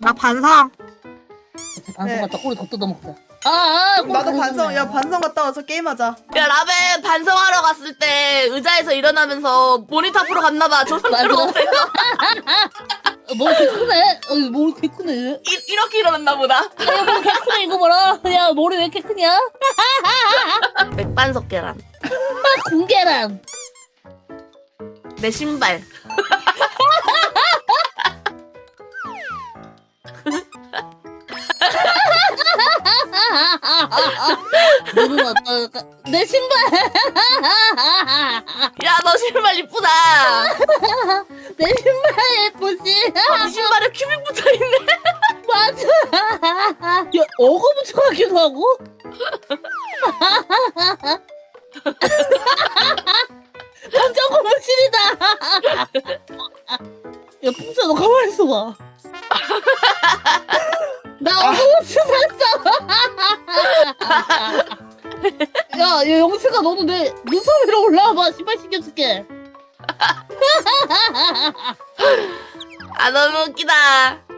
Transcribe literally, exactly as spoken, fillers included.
나 반성. 반성 네. 갔다 꼬리 더 뜯어먹자. 아, 아 꼬리 나도 더 반성. 뜯어먹네. 야 반성 갔다 와서 게임하자. 야 라벤 반성하러 갔을 때 의자에서 일어나면서 모니터 앞으로 갔나봐. 저 상태로 맞아. 어, 머리 개 크네. 어, 머리 개 크네. 이- 이렇게 일어났나 보다. 야, 머리 개 크네, 이거 봐라. 야, 머리 왜 이렇게 크냐? 맥반석 계란. 아, 공계란. 내 신발. 너는 어떨까? 내 신발. 야 너 신발 이쁘다. 내 신발 예쁘지? 이 신발에 큐빅 붙어있네. 맞아. 야, 어거 붙여가기도 하고? 완전 고무실이다. 야, 풍차 너 가만히 있어봐. 나 어거부츠 샀어. 야, 야, 영수가 너도 내 눈썹 위로 올라와봐. 신발 신겨줄게. 아 너무 웃기다.